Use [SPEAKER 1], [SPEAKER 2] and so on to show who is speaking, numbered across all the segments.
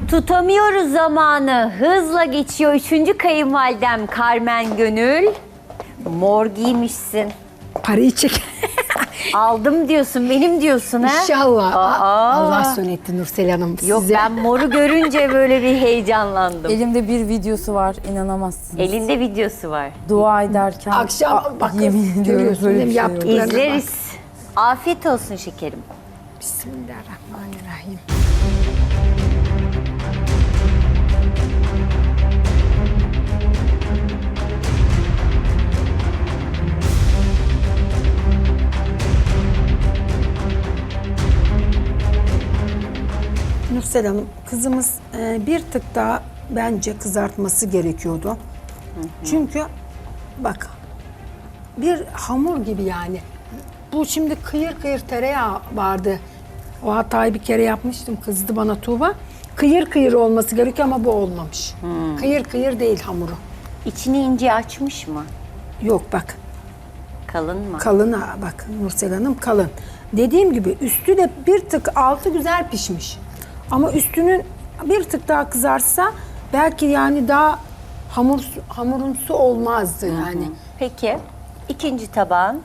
[SPEAKER 1] Tutamıyoruz zamanı. Hızla geçiyor. Üçüncü kayınvalidem Carmen Gönül. Mor giymişsin.
[SPEAKER 2] Parayı çek.
[SPEAKER 1] Aldım diyorsun, benim diyorsun ha?
[SPEAKER 2] İnşallah.
[SPEAKER 1] Aa.
[SPEAKER 2] Allah son etti Nursel Hanım
[SPEAKER 1] Yok
[SPEAKER 2] size.
[SPEAKER 1] ben moru görünce böyle bir heyecanlandım.
[SPEAKER 3] Elimde bir videosu var, inanamazsınız.
[SPEAKER 1] Elinde videosu var.
[SPEAKER 3] Dua ederken.
[SPEAKER 2] Akşam bak
[SPEAKER 3] yemin ediyorum
[SPEAKER 2] görüyorsun
[SPEAKER 3] böyle
[SPEAKER 2] değil mi?
[SPEAKER 3] bir şey yok.
[SPEAKER 2] Yaptıklarına bak.
[SPEAKER 1] İzleriz. Afiyet olsun şekerim.
[SPEAKER 2] Bismillahirrahmanirrahim. Nursel Hanım, kızımız bir tık daha bence kızartması gerekiyordu. Çünkü bak, bir hamur gibi yani. Bu şimdi kıyır kıyır tereyağı vardı. O hatayı bir kere yapmıştım, kızdı bana Tuğba. Kıyır kıyır olması gerekiyor ama bu olmamış. Kıyır kıyır değil hamuru.
[SPEAKER 1] İçini ince açmış mı?
[SPEAKER 2] Yok bak,
[SPEAKER 1] Kalın mı?
[SPEAKER 2] kalın ha, bak Nursel Hanım kalın. Dediğim gibi üstü de bir tık, altı güzel pişmiş. Ama üstünün bir tık daha kızarsa belki yani daha hamurumsu olmazdı yani.
[SPEAKER 1] Peki. İkinci tabağın.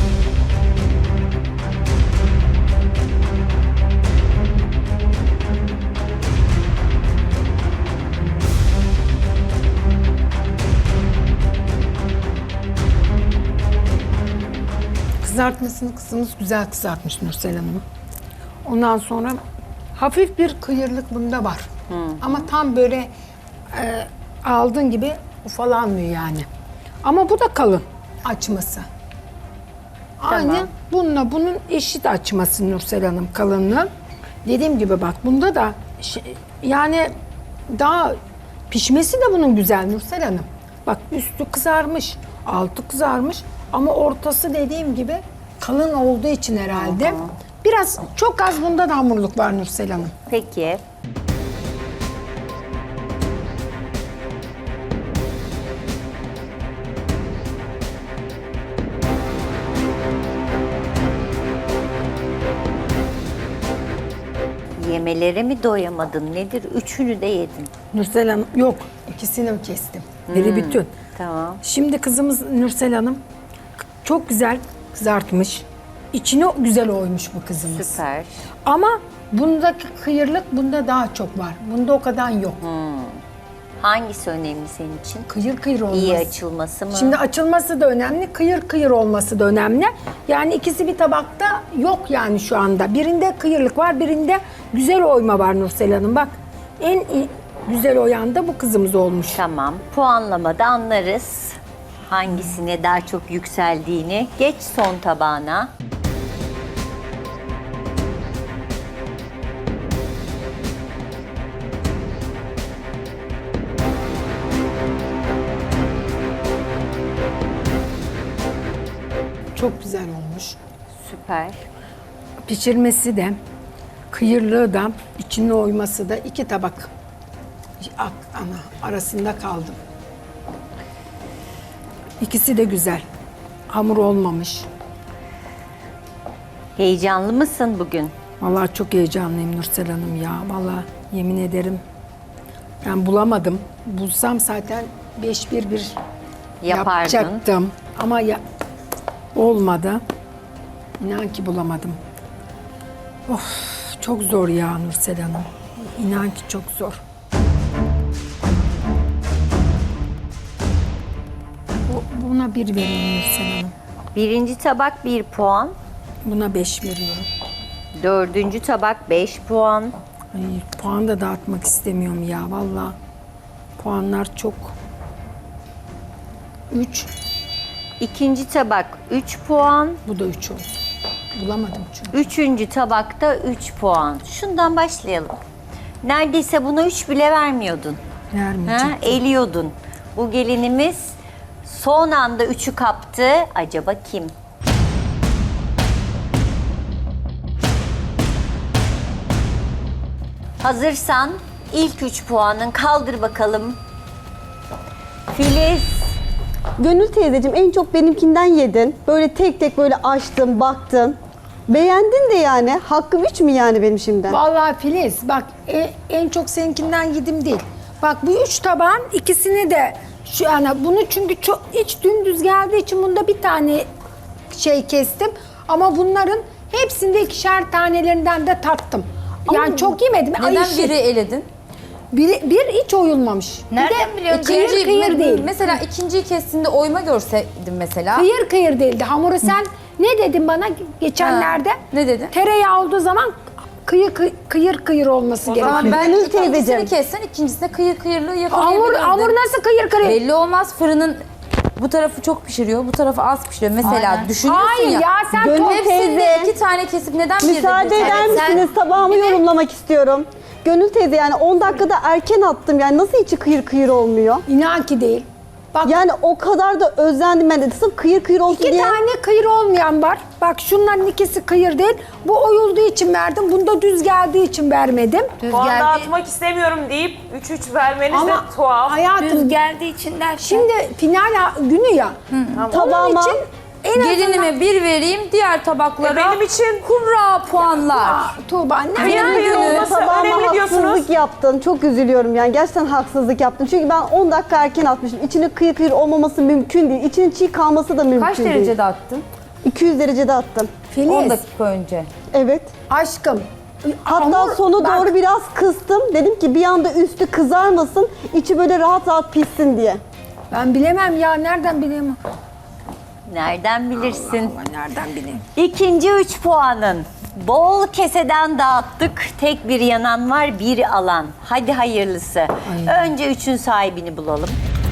[SPEAKER 2] Kızartmasını kızımız güzel kızartmış Nursel Hanım. Ondan sonra hafif bir kıyırlık bunda var. Ama tam böyle aldığın gibi ufalanmıyor yani. Ama bu da kalın açması. Aynı bununla bunun eşit açması Nursel Hanım, kalınlığı. Dediğim gibi bak, bunda da yani daha pişmesi de bunun güzel Nursel Hanım. Bak üstü kızarmış, altı kızarmış ama ortası dediğim gibi kalın olduğu için herhalde. Biraz çok az bunda da hamurluk var Nursel Hanım.
[SPEAKER 1] Peki. Yemelere mi doyamadın? Nedir? Üçünü de yedin.
[SPEAKER 2] Nursel Hanım yok, ikisini kestim. Biri bütün.
[SPEAKER 1] Tamam.
[SPEAKER 2] Şimdi kızımız Nursel Hanım çok güzel kızartmış. İçine güzel oymuş bu kızımız.
[SPEAKER 1] Süper.
[SPEAKER 2] Ama bundaki kıyırlık bunda daha çok var. Bunda o kadar yok.
[SPEAKER 1] Hangisi önemli senin için?
[SPEAKER 2] Kıyır kıyır olması.
[SPEAKER 1] İyi açılması mı?
[SPEAKER 2] Şimdi açılması da önemli, kıyır kıyır olması da önemli. Yani ikisi bir tabakta yok yani şu anda. Birinde kıyırlık var, birinde güzel oyma var Nursel Hanım. Bak en güzel oyan da bu kızımız olmuş.
[SPEAKER 1] Tamam. Puanlamada anlarız. Hangisine daha çok yükseldiğini. Geç son tabağına.
[SPEAKER 2] Çok güzel olmuş.
[SPEAKER 1] Süper.
[SPEAKER 2] Pişirmesi de, kıyırlığı da, içine oyması da iki tabak arasında kaldım. İkisi de güzel. Hamur olmamış.
[SPEAKER 1] Heyecanlı mısın bugün?
[SPEAKER 2] Vallahi çok heyecanlıyım Nursel Hanım ya. Vallahi yemin ederim. Ben bulamadım. Bulsam zaten 5-1-1
[SPEAKER 1] Yapardın.
[SPEAKER 2] yapacaktım. Ama olmadı. İnan ki bulamadım. Of, çok zor ya Nursel Hanım. İnan ki çok zor. Buna 1 vereyim Nursel Hanım.
[SPEAKER 1] Birinci tabak 1 puan.
[SPEAKER 2] Buna 5 veriyorum.
[SPEAKER 1] Dördüncü tabak 5 puan.
[SPEAKER 2] Ay, puan da dağıtmak istemiyorum ya vallahi. Puanlar çok. 3.
[SPEAKER 1] İkinci tabak 3 puan.
[SPEAKER 2] Bu da 3 olsun. Bulamadım çünkü.
[SPEAKER 1] Üçüncü tabakta 3 puan. Şundan başlayalım. Neredeyse buna 3 bile vermiyordun.
[SPEAKER 2] Vermeyecek.
[SPEAKER 1] Eliyordun. Bu gelinimiz son anda 3'ü kaptı. Acaba kim? Hazırsan ilk 3 puanın kaldır bakalım. Filiz.
[SPEAKER 4] Gönül teyzeciğim en çok benimkinden yedin. Böyle tek tek böyle açtın, baktın. Beğendin de yani. Hakkım 3 mü yani benim şimdiden?
[SPEAKER 2] Vallahi Filiz bak en çok seninkinden yedim değil. Bak bu 3 tabağın ikisini de şu yani bunu çünkü çok iç dümdüz geldiği için bunda bir tane şey kestim. Ama bunların hepsinde ikişer tanelerinden de tattım. Yani çok yemedim.
[SPEAKER 3] Neden
[SPEAKER 2] Ayışık.
[SPEAKER 3] biri eledin?
[SPEAKER 2] Bir hiç oyulmamış.
[SPEAKER 1] Nereden
[SPEAKER 2] bir de
[SPEAKER 1] biliyorsun?
[SPEAKER 2] kıyır kıyır değil.
[SPEAKER 3] Mesela ikinciyi kestiğinde oyma görseydim mesela.
[SPEAKER 2] Kıyır kıyır değildi. Hamuru sen ne dedin bana geçenlerde?
[SPEAKER 3] Ha, ne dedin?
[SPEAKER 2] Tereyağı olduğu zaman kıyır kıyır olması gerekiyor.
[SPEAKER 3] Tamam ben
[SPEAKER 4] Gönül
[SPEAKER 3] ikincisini
[SPEAKER 4] teyzeciğim.
[SPEAKER 3] kessen ikincisinde kıyırlığı
[SPEAKER 2] Hamur,
[SPEAKER 3] yakalayabilirdin.
[SPEAKER 2] hamur nasıl kıyır kıyır?
[SPEAKER 3] Belli olmaz fırının bu tarafı çok pişiriyor, bu tarafı az pişiriyor. Mesela
[SPEAKER 1] Aynen.
[SPEAKER 3] düşünüyorsun
[SPEAKER 2] Hayır ya sen
[SPEAKER 4] Gönül
[SPEAKER 2] top
[SPEAKER 3] Hepsinde
[SPEAKER 4] teyze.
[SPEAKER 3] 2 tane kesip neden bir
[SPEAKER 4] Müsaade
[SPEAKER 3] dedin?
[SPEAKER 4] eder
[SPEAKER 1] Evet, sen-
[SPEAKER 4] misiniz? Tabağımı yorumlamak istiyorum. Gönül teyze yani 10 dakikada erken attım. Yani nasıl içi kıyır kıyır olmuyor?
[SPEAKER 2] İnan ki değil. Bak
[SPEAKER 4] Yani o kadar da özendim ben de. Sırf kıyır kıyır olsun
[SPEAKER 2] iki
[SPEAKER 4] diye.
[SPEAKER 2] tane kıyır olmayan var. Bak şunların ikisi kıyır değil. Bu oyulduğu için verdim. Bunda düz geldiği için vermedim.
[SPEAKER 1] Düz
[SPEAKER 5] Puan
[SPEAKER 1] geldi.
[SPEAKER 5] dağıtmak istemiyorum deyip 3-3 vermeniz de
[SPEAKER 2] Ama
[SPEAKER 5] tuhaf.
[SPEAKER 2] hayatım
[SPEAKER 1] Düz geldiği için derken.
[SPEAKER 2] şimdi final günü ya. Onun
[SPEAKER 4] Tabağıma
[SPEAKER 2] için en azından...
[SPEAKER 3] Gelinime 1 vereyim, diğer tabaklara
[SPEAKER 5] Benim için
[SPEAKER 3] kurra puanlar.
[SPEAKER 2] Tuğba ne?
[SPEAKER 5] kıyır
[SPEAKER 3] Final
[SPEAKER 5] kıyır
[SPEAKER 3] günü
[SPEAKER 5] olması
[SPEAKER 4] tabağıma
[SPEAKER 5] önemli diyorsunuz.
[SPEAKER 4] haksızlık yaptın. Çok üzülüyorum yani. Gerçekten haksızlık yaptın. Çünkü ben 10 dakika erken atmışım. İçinin kıyır kıyır olmaması mümkün değil. İçinin çiğ kalması da mümkün
[SPEAKER 3] Kaç
[SPEAKER 4] değil.
[SPEAKER 3] derecede attın?
[SPEAKER 4] 200 derecede attım.
[SPEAKER 3] 10
[SPEAKER 2] Filiz,
[SPEAKER 3] dakika önce.
[SPEAKER 4] Evet.
[SPEAKER 2] aşkım.
[SPEAKER 4] Hatta
[SPEAKER 2] hamur-
[SPEAKER 4] sonu
[SPEAKER 2] bak,
[SPEAKER 4] doğru biraz kıstım. Dedim ki bir anda üstü kızarmasın, içi böyle rahat rahat pişsin diye.
[SPEAKER 2] Ben bilemem ya. Nereden bileyim?
[SPEAKER 1] Nereden bilirsin?
[SPEAKER 2] Allah, nereden bileyim?
[SPEAKER 1] İkinci 3 puanın. Bol keseden dağıttık. Tek bir yanan var, bir alan. Hadi hayırlısı. Önce 3'ün sahibini bulalım.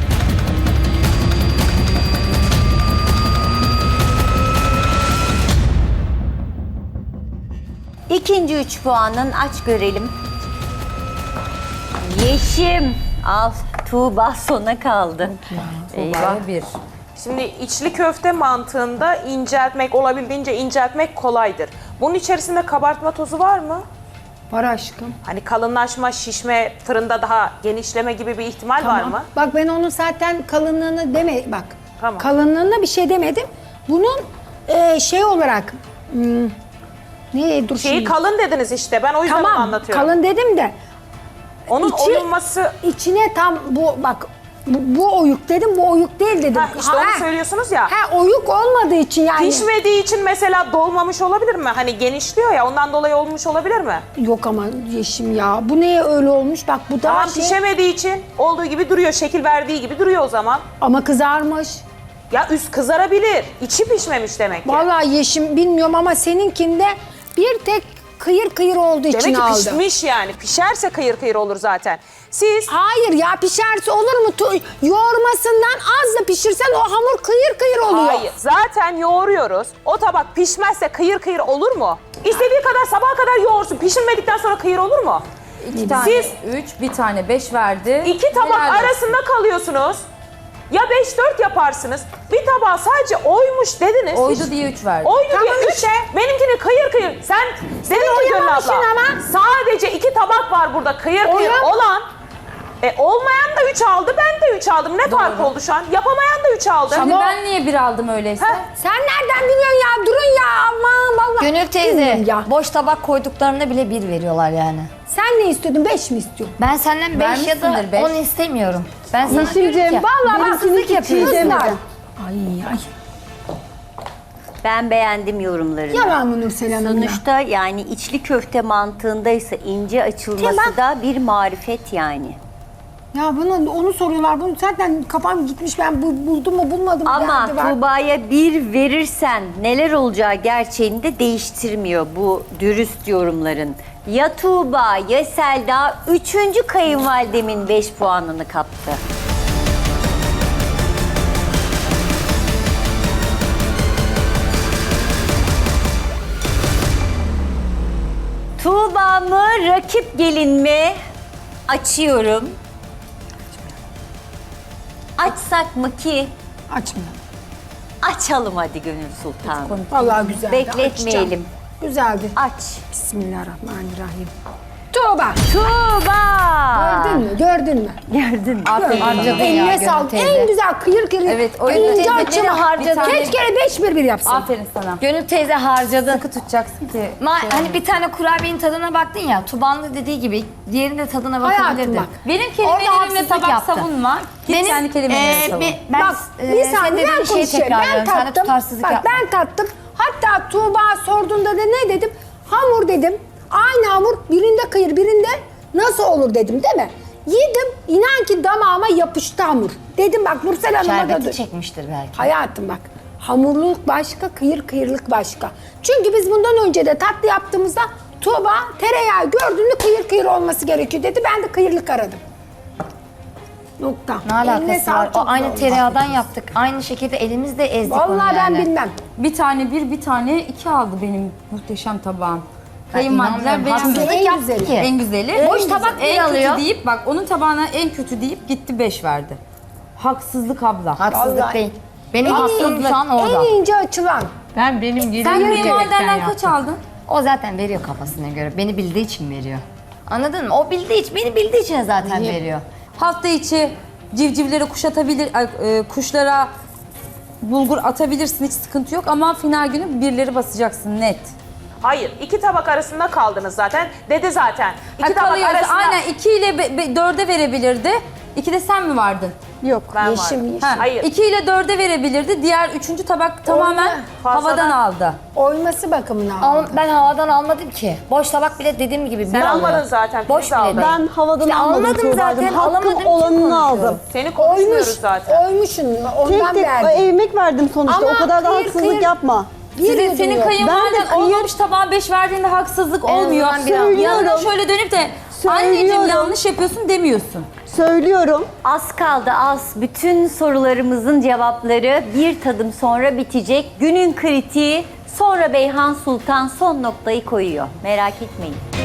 [SPEAKER 1] İkinci 3 puanın aç görelim. Yeşim. Al Tuğba sona kaldı. Eyvah.
[SPEAKER 3] Tuğba'ya 1.
[SPEAKER 5] Şimdi içli köfte mantığında inceltmek, olabildiğince inceltmek kolaydır. Bunun içerisinde kabartma tozu var mı?
[SPEAKER 2] Var aşkım.
[SPEAKER 5] Hani kalınlaşma, şişme, fırında daha genişleme gibi bir ihtimal var mı?
[SPEAKER 2] Bak ben onun zaten kalınlığını bak.
[SPEAKER 5] Tamam.
[SPEAKER 2] Kalınlığına bir şey demedim. Bunun şey olarak ne dur
[SPEAKER 5] Şeyi
[SPEAKER 2] şimdi.
[SPEAKER 5] kalın dediniz işte. Ben o yüzden onu
[SPEAKER 2] Tamam.
[SPEAKER 5] anlatıyorum.
[SPEAKER 2] Kalın dedim de
[SPEAKER 5] Onun
[SPEAKER 2] içi-
[SPEAKER 5] oyulması...
[SPEAKER 2] içine tam bu bak bu oyuk dedim. Bu oyuk değil dedim.
[SPEAKER 5] Heh, işte onu söylüyorsunuz ya.
[SPEAKER 2] Oyuk olmadığı için yani.
[SPEAKER 5] Pişmediği için mesela dolmamış olabilir mi? Hani genişliyor ya ondan dolayı olmuş olabilir mi?
[SPEAKER 2] Yok ama Yeşim ya. Bu neye öyle olmuş? Bak bu daha
[SPEAKER 5] Tamam
[SPEAKER 2] şey.
[SPEAKER 5] pişemediği için olduğu gibi duruyor. Şekil verdiği gibi duruyor o zaman.
[SPEAKER 2] Ama kızarmış.
[SPEAKER 5] Ya üst kızarabilir. İçi pişmemiş demek ki.
[SPEAKER 2] Vallahi Yeşim bilmiyorum ama seninkinde bir tek kıyır kıyır olduğu için
[SPEAKER 5] Demek ki
[SPEAKER 2] aldı.
[SPEAKER 5] pişmiş yani. Pişerse kıyır kıyır olur zaten. Siz
[SPEAKER 2] Hayır ya pişerse olur mu? Yoğurmasından az da pişirsen o hamur kıyır kıyır oluyor.
[SPEAKER 5] hayır. Zaten yoğuruyoruz. O tabak pişmezse kıyır kıyır olur mu? İstediği kadar sabaha kadar yoğursun. Pişirmedikten sonra kıyır olur mu?
[SPEAKER 3] 2 tane
[SPEAKER 5] Siz-
[SPEAKER 3] 3, bir tane 5 verdi.
[SPEAKER 5] İki tabak
[SPEAKER 3] Helal olsun.
[SPEAKER 5] arasında kalıyorsunuz. Ya 5-4 yaparsınız. Bir tabağa sadece oymuş dediniz.
[SPEAKER 3] Oydu diye 3 verdi.
[SPEAKER 5] Oydu
[SPEAKER 2] Tamam
[SPEAKER 5] diye 3.
[SPEAKER 2] işte.
[SPEAKER 5] Benimkini kıyır kıyır. Sen dedin ki Gönül
[SPEAKER 2] oyamamışsın
[SPEAKER 5] abla.
[SPEAKER 2] ama.
[SPEAKER 5] Sadece 2 tabak var burada kıyır kıyır
[SPEAKER 2] Oyam-
[SPEAKER 5] olan. Olmayan da 3 aldı, ben de 3 aldım. Ne fark oldu şu an? Yapamayan da 3 aldı.
[SPEAKER 3] Şimdi ben niye 1 aldım öyleyse?
[SPEAKER 5] Heh.
[SPEAKER 2] Sen nereden biliyorsun ya? Durun ya aman vallahi.
[SPEAKER 6] Gönül teyze,
[SPEAKER 2] Bilmiyorum ya.
[SPEAKER 6] boş tabak koyduklarında bile 1 veriyorlar yani.
[SPEAKER 2] Sen ne istiyordun? 5 mi istiyorsun?
[SPEAKER 6] Ben senden 5 ya da
[SPEAKER 3] Vermişsindir beş.
[SPEAKER 6] 10 istemiyorum. Ben sana
[SPEAKER 4] Yeşimciğim,
[SPEAKER 6] diyorum ki,
[SPEAKER 2] Vallahi
[SPEAKER 4] benimkini
[SPEAKER 2] haksızlık
[SPEAKER 4] hiç
[SPEAKER 2] yapıyorsunuz.
[SPEAKER 4] yemedim.
[SPEAKER 2] Ay.
[SPEAKER 1] Ben beğendim yorumlarını.
[SPEAKER 2] Yalan mı Nursel Hanım ya?
[SPEAKER 1] Sonuçta yani içli köfte mantığındaysa ince açılması
[SPEAKER 2] Tamam.
[SPEAKER 1] da bir marifet yani.
[SPEAKER 2] Ya onu soruyorlar. Bunu zaten kafam gitmiş. Ben buldum mu bulmadım mı
[SPEAKER 1] Ama
[SPEAKER 2] derdi var.
[SPEAKER 1] Tuğba'ya 1 verirsen neler olacağı gerçeğini de değiştirmiyor bu dürüst yorumların. Ya Tuğba ya Selda 3. kayınvalidemin 5 puanını kaptı. Tuğba mı rakip gelin mi? Açıyorum. Açsak mı ki?
[SPEAKER 2] Açmıyorum.
[SPEAKER 1] Açalım hadi Gönül Sultan.
[SPEAKER 2] Vallahi güzeldi.
[SPEAKER 1] Bekletmeyelim.
[SPEAKER 2] Açacağım. Güzeldi.
[SPEAKER 1] Aç.
[SPEAKER 2] Bismillahirrahmanirrahim. Tuğba.
[SPEAKER 1] Tuğba.
[SPEAKER 2] Gördün mü? Gördün Gördün mü?
[SPEAKER 1] Gördün mü?
[SPEAKER 3] Aferin.
[SPEAKER 6] Harcadın ya
[SPEAKER 2] Eline
[SPEAKER 6] Gönül
[SPEAKER 2] sağlık.
[SPEAKER 6] teyze.
[SPEAKER 2] En güzel kıyır kıyır.
[SPEAKER 3] Evet, o
[SPEAKER 2] ince
[SPEAKER 3] yüzden
[SPEAKER 2] açımı
[SPEAKER 6] teyzeleri harcadın.
[SPEAKER 2] Keşke 5-1-1 yapsın.
[SPEAKER 3] Aferin sana.
[SPEAKER 6] Gönül teyze harcadı.
[SPEAKER 3] Sıkı tutacaksın ki.
[SPEAKER 6] Hani bir tane kurabiyenin tadına baktın ya. Tuban'ın da dediği gibi diğerinin de tadına
[SPEAKER 2] Hayatım
[SPEAKER 6] bakabilirdin.
[SPEAKER 2] bak.
[SPEAKER 3] Benim
[SPEAKER 6] Orada
[SPEAKER 3] kelimelerimle
[SPEAKER 6] haksızlık
[SPEAKER 3] tabak
[SPEAKER 6] yaptı.
[SPEAKER 3] savunma. Git kendi kelimelerine savun.
[SPEAKER 6] Ben
[SPEAKER 2] Bak bir
[SPEAKER 6] senin
[SPEAKER 2] saniye
[SPEAKER 6] dediğin
[SPEAKER 2] ben
[SPEAKER 6] şeyi
[SPEAKER 2] konuşuyorum. Ben
[SPEAKER 6] tekrarlıyorum. Sen de
[SPEAKER 2] tattım.
[SPEAKER 6] tutarsızlık
[SPEAKER 2] Bak
[SPEAKER 6] yapma.
[SPEAKER 2] ben tattım. Hatta Tuğba sorduğunda da ne dedim? Hamur dedim. Aynı hamur birinde kıyır birinde nasıl olur dedim değil mi? Yedim inan ki damağıma yapıştı hamur. Dedim bak Nursel Hanım'a da
[SPEAKER 6] Şerbeti çekmiştir belki.
[SPEAKER 2] hayatım bak hamurluluk başka kıyırlık başka. Çünkü biz bundan önce de tatlı yaptığımızda Tuğba tereyağı gördüğünde kıyır olması gerekiyor dedi. Ben de kıyırlık aradım. Nokta.
[SPEAKER 6] Ne
[SPEAKER 2] Eline
[SPEAKER 6] alakası
[SPEAKER 2] sağlık,
[SPEAKER 6] var? O
[SPEAKER 2] çok
[SPEAKER 6] aynı
[SPEAKER 2] güzel
[SPEAKER 6] tereyağdan
[SPEAKER 2] olmuş.
[SPEAKER 6] yaptık. Aynı şekilde elimizde ezdik onu
[SPEAKER 2] Vallahi ben
[SPEAKER 6] yani.
[SPEAKER 2] bilmem.
[SPEAKER 3] Bir tane bir tane iki aldı benim muhteşem tabağım. Kayınvalideler
[SPEAKER 6] inanmıyorum.
[SPEAKER 3] benim
[SPEAKER 6] Haksızlık
[SPEAKER 2] en
[SPEAKER 6] yaptı
[SPEAKER 2] güzeli.
[SPEAKER 6] ki.
[SPEAKER 3] en güzeli.
[SPEAKER 6] Boş tabak
[SPEAKER 3] en
[SPEAKER 6] bile
[SPEAKER 3] kötü
[SPEAKER 6] alıyor.
[SPEAKER 3] deyip bak onun tabağına en kötü deyip gitti 5 verdi. Haksızlık abla.
[SPEAKER 6] Haksızlık
[SPEAKER 2] Vallahi.
[SPEAKER 6] değil. Benim haksızlığım şu an orada.
[SPEAKER 2] En ince açılan.
[SPEAKER 7] Ben benim
[SPEAKER 3] Sen
[SPEAKER 7] gelinim
[SPEAKER 3] kayınvalidenden kaç aldın?
[SPEAKER 6] O zaten veriyor kafasına göre. Beni bildiği için veriyor. Anladın mı? O bildiği için, beni bildiği için zaten veriyor.
[SPEAKER 3] Hafta içi civcivlere kuşlara bulgur atabilirsin, hiç sıkıntı yok ama final günü birileri basacaksın net.
[SPEAKER 5] Hayır, iki tabak arasında kaldınız zaten. Dedi zaten. İki
[SPEAKER 3] Ha,
[SPEAKER 5] tabak
[SPEAKER 3] kalıyorsa
[SPEAKER 5] arasında
[SPEAKER 3] aynen 2 ile 4'e verebilirdi. 2 de sen mi vardın?
[SPEAKER 4] Yok.
[SPEAKER 5] ben
[SPEAKER 2] Yeşim,
[SPEAKER 5] varım.
[SPEAKER 2] yeşim.
[SPEAKER 3] Ha,
[SPEAKER 5] Hayır.
[SPEAKER 3] 2 ile 4'e verebilirdi. Diğer 3. tabak tamamen
[SPEAKER 5] Fazladan.
[SPEAKER 3] havadan aldı.
[SPEAKER 2] Oyması bakımından.
[SPEAKER 6] Ben havadan almadım ki. Boş tabak bile dediğim gibi
[SPEAKER 5] Sen
[SPEAKER 6] bir alıyor.
[SPEAKER 5] almadın zaten.
[SPEAKER 6] Boş
[SPEAKER 5] Filiz
[SPEAKER 6] bile
[SPEAKER 5] aldı.
[SPEAKER 6] değil.
[SPEAKER 4] Ben havadan
[SPEAKER 6] İşte
[SPEAKER 4] almadım
[SPEAKER 6] almadım
[SPEAKER 4] Tuğba'cığım.
[SPEAKER 6] zaten, alamadım
[SPEAKER 4] Hakkım
[SPEAKER 6] için
[SPEAKER 4] olanını
[SPEAKER 6] konuşuyorum.
[SPEAKER 4] aldım.
[SPEAKER 5] Seni
[SPEAKER 2] Oymuş,
[SPEAKER 5] konuşmuyoruz zaten.
[SPEAKER 2] oymuşsun. Ondan
[SPEAKER 4] Tek tek
[SPEAKER 2] verdim.
[SPEAKER 4] emek verdim sonuçta.
[SPEAKER 2] Ama
[SPEAKER 4] O kadar da
[SPEAKER 2] kıyır
[SPEAKER 4] haksızlık
[SPEAKER 2] kıyır-
[SPEAKER 4] yapma.
[SPEAKER 3] Senin kayınvaliden
[SPEAKER 4] Ben de
[SPEAKER 3] olmamış tabağa 5 verdiğinde haksızlık olmuyor.
[SPEAKER 6] azından bir al.
[SPEAKER 3] Yanına şöyle dönüp de anneciğim
[SPEAKER 4] Söylüyorum.
[SPEAKER 3] yanlış yapıyorsun demiyorsun.
[SPEAKER 4] Söylüyorum.
[SPEAKER 1] Az kaldı az. Bütün sorularımızın cevapları bir tadım sonra bitecek. Günün kritiği sonra Beyhan Sultan son noktayı koyuyor. Merak etmeyin.